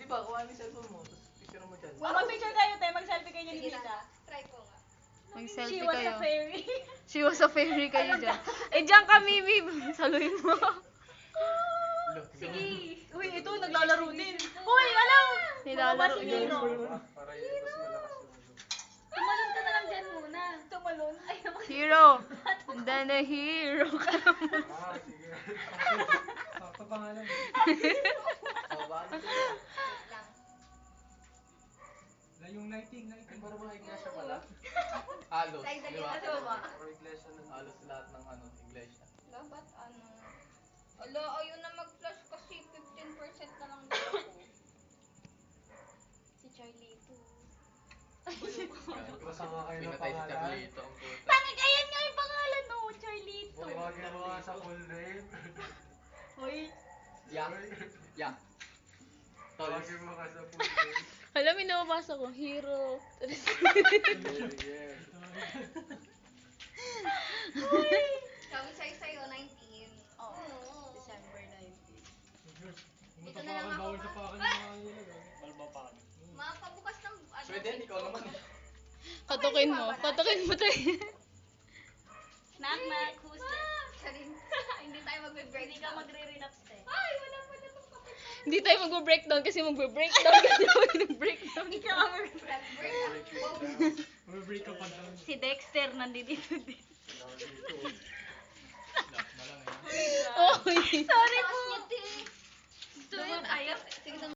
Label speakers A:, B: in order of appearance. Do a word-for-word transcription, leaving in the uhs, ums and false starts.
A: Di ba, kuha ni cellphone mo, tapos picture mo dyan.
B: Oh, mag-picture kayo, te. Mag-selfie kayo ni Nita.
C: Try ko nga.
D: May
B: She
D: selfie
B: was
D: kayo.
B: a fairy.
D: She was a fairy kayo dyan. Eh, dyan ka, Mimi. Saluhin mo.
B: Sige. Uy, ito, naglalaro din. Uy, alam!
D: Nilalaro
B: si
D: niya.
B: Hero.
E: Para yun, mas malakas yung ano.
C: Tumalon ka na lang dyan muna.
B: Tumalon. Ay,
D: Hero. And then a hero ka naman.
E: Ah, sige. Sakto pangalan.
A: Oh, bakit?
C: Lang.
E: Na yung lighting, lighting.
A: Para mga iglesia pala. Halos,
C: Like,
A: di
C: dali
A: ba?
C: na sa baba.
E: Para iglesia ng
A: Halos lahat ng ano, iglesia.
C: Ala, ba't ano? Ala, ayun na mag-flash kasi fifteen percent na lang daw ako. Si Charlie ito.
E: Masama kayo ng
A: Pinatay si
E: pangalan.
A: Carlito ang puta.
B: Pangit, ayan nga yung pangalan, no? Charlito.
E: Tawagin mo nga sa full name.
B: Uy.
A: Yak. Yak. Tols.
E: Tawagin mo nga sa full name.
D: Alam mo, nababasa ko. Hero.
C: Sabi sa'yo sa'yo, nineteen.
B: Oh,
C: Oo.
B: December nineteenth.
C: Dito na lang ako.
E: Bawal sa pakan ng mga nila.
F: Balbapan.
C: Makapabukas ng ano.
A: Pwede, ikaw naman.
D: Katukin mo. Katukin mo tayo.
B: Knock, knock. Who's there?
C: Charin. Hindi tayo magbe-break.
B: Hindi ka magre-relapse, te.
C: Ay, wala pa na itong kapit.
D: Hindi tayo magbe-breakdown kasi magbe-breakdown kasi ako mag-breakdown.
B: Hindi ka mag-relapse.
C: Break up.
E: May break ka pa down.
B: Si Dexter nandito din.
D: Okay.
B: Sorry po.